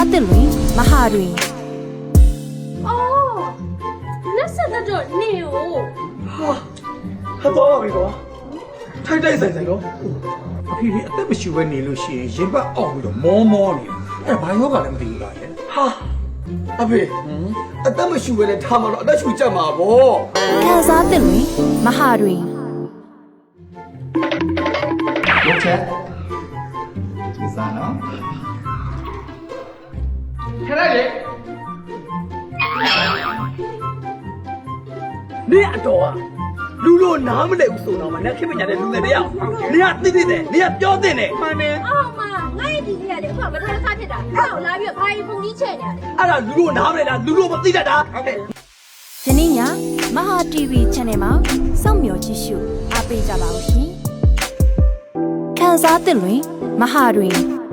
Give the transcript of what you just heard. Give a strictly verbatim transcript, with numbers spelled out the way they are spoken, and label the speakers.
Speaker 1: စားသစ်လွင်မဟာတွင်
Speaker 2: အော်လက်ဆက်တော့နေ哦
Speaker 3: ဟာတော့ပါပြီကွာထိုက်တိုက်ဆိုင်ဆိုင်တော့အဖေဒီအသက်မရှိဘဲနေလို့ရှိရင်ရင်ပတ်အောက်ပြီးတော့မောမောနေအဲ့ဘာယောဂလည်းမသိဘူးလားရဲ့ဟာအဖေအသက်မရှိဘဲနဲ့ထားမှာတော့အသက်ရှူကြမှာဗော
Speaker 1: ခံစားသစ်လွင်မဟာတွင်
Speaker 4: ရုပ်ချက်ဒီစားနော်ခဏလေး
Speaker 3: နေအတော်ကလူလို့နားမလဲဘူးဆိုတော့မှနဲ့ခင်မညာတဲ့လူတွေတယောက်နေကသိသိတယ်နေကပြောသိတယ်မှန်တယ်
Speaker 2: အော်မငါ့ရဲ့ဒီလေးကလေအခုကမထားစားဖြစ်တာအဲ့တော့လာပြီးတော့ဘာကြီးပုံကြီးချဲ့နေရတယ်
Speaker 3: အဲ့ဒါလူလို့နားမလဲလားလူလို့မသိတတ်တာဟုတ်ကဲ့
Speaker 1: ယနေ့ညမဟာ တီဗီ Channel မှာစောင့်မျှော်ကြည့်ရှုအားပေးကြပါဦးရှင်ခံစားသစ်လွင်မဟာတွင်